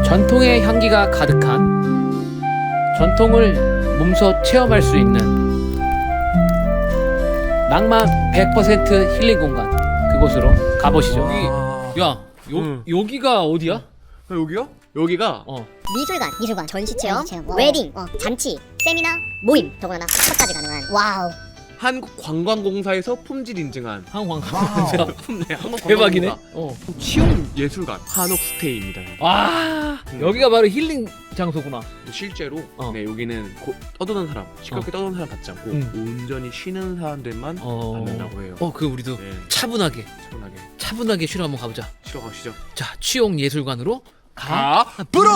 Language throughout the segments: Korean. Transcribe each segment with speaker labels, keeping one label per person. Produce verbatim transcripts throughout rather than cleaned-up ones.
Speaker 1: 전통의 향기가 가득한 전통을 몸소 체험할 수 있는 낭만 백 퍼센트 힐링 공간, 그곳으로 가보시죠. 여기, 야, 요,
Speaker 2: 응.
Speaker 1: 여기가 어디야?
Speaker 2: 아, 여기요? 여기가
Speaker 1: 어.
Speaker 3: 미술관, 미술관, 전시체험, 웨딩, 어, 잔치, 세미나, 모임, 더구나 스파까지 가능한. 와우.
Speaker 2: 한국관광공사에서 품질 인증한
Speaker 1: 한국관광공사.
Speaker 2: 네, 한국관광공사
Speaker 1: 대박이네. 어.
Speaker 2: 치용예술관 한옥스테이입니다.
Speaker 1: 와, 여기가 바로 힐링 장소구나.
Speaker 2: 실제로
Speaker 1: 어.
Speaker 2: 네, 여기는 고, 떠드는 사람, 시끄럽게
Speaker 1: 어.
Speaker 2: 떠드는 사람 받지 않고
Speaker 1: 음.
Speaker 2: 온전히 쉬는 사람들만
Speaker 1: 어.
Speaker 2: 받는다고 해요.
Speaker 1: 어, 그럼 우리도
Speaker 2: 네,
Speaker 1: 차분하게,
Speaker 2: 차분하게
Speaker 1: 차분하게 쉬러 한번 가보자.
Speaker 2: 쉬러 가시죠.
Speaker 1: 자, 취용 예술관으로 가.
Speaker 2: 가 브로!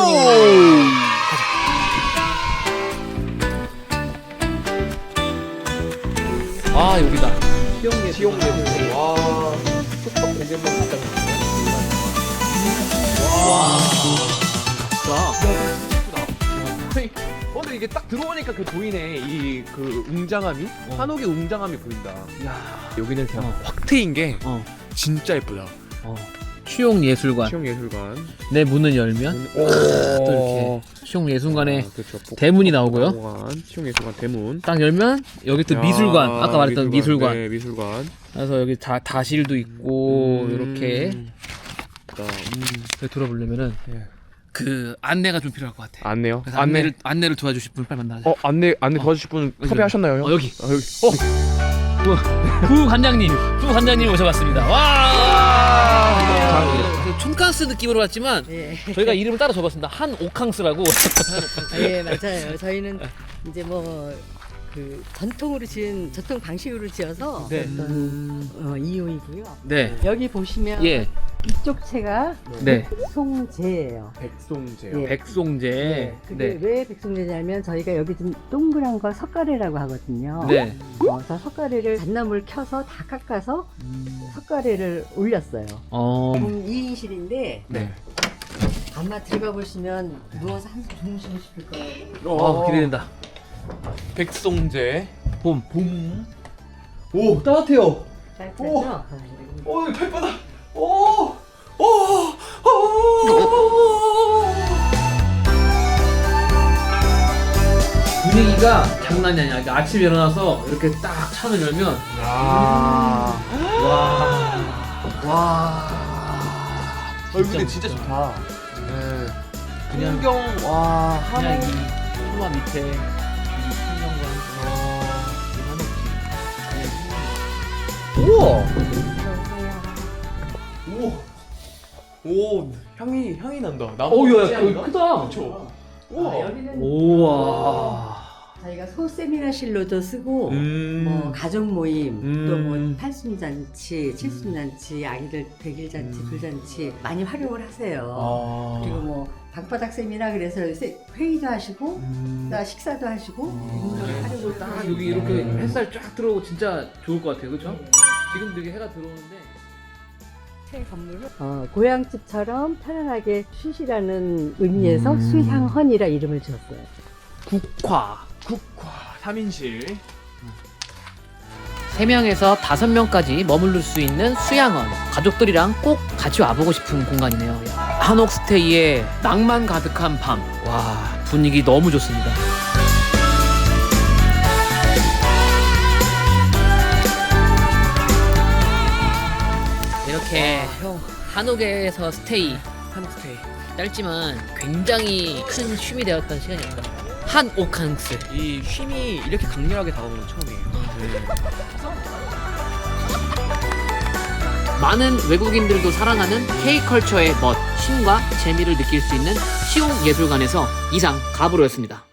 Speaker 1: 아, 여기다. 취용 예술관.
Speaker 2: 치용예술관. 와, 숙박 공개만 받다. 와,
Speaker 1: 자,
Speaker 2: 어, 근데 이게 딱 들어오니까 그 보이네. 이 그 웅장함이
Speaker 1: 어.
Speaker 2: 한옥의 웅장함이 보인다.
Speaker 1: 야,
Speaker 2: 여기는 그냥
Speaker 1: 어.
Speaker 2: 확 트인 게
Speaker 1: 어,
Speaker 2: 진짜 예쁘다.
Speaker 1: 어. 취용 예술관.
Speaker 2: 치용예술관.
Speaker 1: 내 문을 열면
Speaker 2: 오,
Speaker 1: 또 이렇게 취용 예술관에
Speaker 2: 아, 그렇죠.
Speaker 1: 대문이 나오고요.
Speaker 2: 공간, 치용예술관 대문.
Speaker 1: 딱 열면 여기 또
Speaker 2: 야,
Speaker 1: 미술관. 아까 말했던 미술관.
Speaker 2: 네, 미술관.
Speaker 1: 그래서 여기 다 다실도 있고
Speaker 2: 음.
Speaker 1: 이렇게
Speaker 2: 자,
Speaker 1: 여기 들어보려면은
Speaker 2: 예.
Speaker 1: 그 안내가 좀 필요할 것 같아.
Speaker 2: 안내요?
Speaker 1: 그래서 안내를 안내를 도와주실 분 빨리 만나자.
Speaker 2: 어, 안내 안내
Speaker 1: 어.
Speaker 2: 도와주실 분
Speaker 1: 여기,
Speaker 2: 섭외하셨나요?
Speaker 1: 어, 여기.
Speaker 2: 아, 여기. 어,
Speaker 1: 부 관장님, 부 관장님 모셔봤습니다. 와. 그 촌캉스 느낌으로 왔지만
Speaker 4: 예.
Speaker 1: 저희가 이름을 따라 적었습니다. 한 오캉스라고.
Speaker 4: 아, 예, 맞아요. 저희는 이제 뭐 그 전통으로 지은 전통 방식으로 지어서
Speaker 1: 네.
Speaker 4: 어떤 어, 이용이고요.
Speaker 1: 네.
Speaker 4: 여기 보시면
Speaker 1: 예.
Speaker 4: 이쪽 채가
Speaker 1: 네.
Speaker 4: 송재예요.
Speaker 2: 백송재요.
Speaker 4: 예.
Speaker 1: 백송재.
Speaker 4: 네. 그게
Speaker 1: 네.
Speaker 4: 왜 백송재냐면 저희가 여기 좀 동그란 거 석가래라고 하거든요.
Speaker 1: 네.
Speaker 4: 어, 그래서 석가래를 잣나무를 켜서 다 깎아서 석가래를 올렸어요.
Speaker 1: 어.
Speaker 4: 음, 이 인실인데
Speaker 1: 네.
Speaker 4: 아마 들어가 보시면 누워서 한숨 주무시고 싶을 거예요.
Speaker 1: 어, 기대된다.
Speaker 2: 백송재.
Speaker 1: 봄.
Speaker 2: 봄. 오, 따뜻해요.
Speaker 4: 따뜻하죠?
Speaker 2: 오, 발바닥. 오! 오! 오!
Speaker 1: 분위기가 장난이 아니야. 그러니까 아침에 일어나서 이렇게 딱 창을 열면
Speaker 2: 아.
Speaker 1: 와.
Speaker 2: 와. 어, 근데 진짜 좋다. 네.
Speaker 1: 그냥
Speaker 2: 풍경 와,
Speaker 1: 그냥
Speaker 2: 한옥.
Speaker 1: 이 소마 밑에 이 풍경과 이 한옥집.
Speaker 2: 우와. 오. 오, 향이 향이 난다. 나무
Speaker 1: 오, 야,
Speaker 2: 같지
Speaker 1: 야,
Speaker 2: 않나?
Speaker 1: 여기 크다.
Speaker 2: 그쵸.
Speaker 4: 아,
Speaker 2: 우와.
Speaker 4: 여기는
Speaker 1: 우와.
Speaker 4: 저희가 소 세미나실로도 쓰고
Speaker 2: 음.
Speaker 4: 뭐 가족 모임
Speaker 2: 음.
Speaker 4: 또 뭐 팔순잔치, 칠순잔치, 아기들 백일잔치,
Speaker 2: 음.
Speaker 4: 불잔치 많이 활용을 하세요.
Speaker 2: 아.
Speaker 4: 그리고 뭐 방바닥 세미나 그래서 세- 회의도 하시고
Speaker 2: 음.
Speaker 4: 또 식사도 하시고 이런
Speaker 1: 그래.
Speaker 4: 활용을
Speaker 1: 딱
Speaker 4: 하시고.
Speaker 1: 여기 이렇게
Speaker 2: 음.
Speaker 1: 햇살 쫙 들어오고 진짜 좋을 것 같아요, 그렇죠?
Speaker 4: 네.
Speaker 1: 지금 되게 해가 들어오는데.
Speaker 4: 새 건물은 어, 고향집처럼 편안하게 쉬시라는 의미에서
Speaker 2: 음.
Speaker 4: 수향헌이라 이름을 지었어요.
Speaker 1: 국화.
Speaker 2: 국화 삼 인실.
Speaker 1: 세 명에서 다섯 명까지 머무를 수 있는 수양원. 가족들이랑 꼭 같이 와보고 싶은 공간이네요. 한옥스테이의 낭만 가득한 밤. 와, 분위기 너무 좋습니다. 이렇게 한옥에서 스테이,
Speaker 2: 한스테이.
Speaker 1: 짧지만 굉장히 큰 쉼이 되었던 시간이었습니다. 한 오캉스.
Speaker 2: 이 쉼이 이렇게 강렬하게 다가오는 건 처음이에요. 네.
Speaker 1: 많은 외국인들도 사랑하는 K컬처의 멋, 쉼과 재미를 느낄 수 있는 시용 예술관에서 이상 가브로였습니다.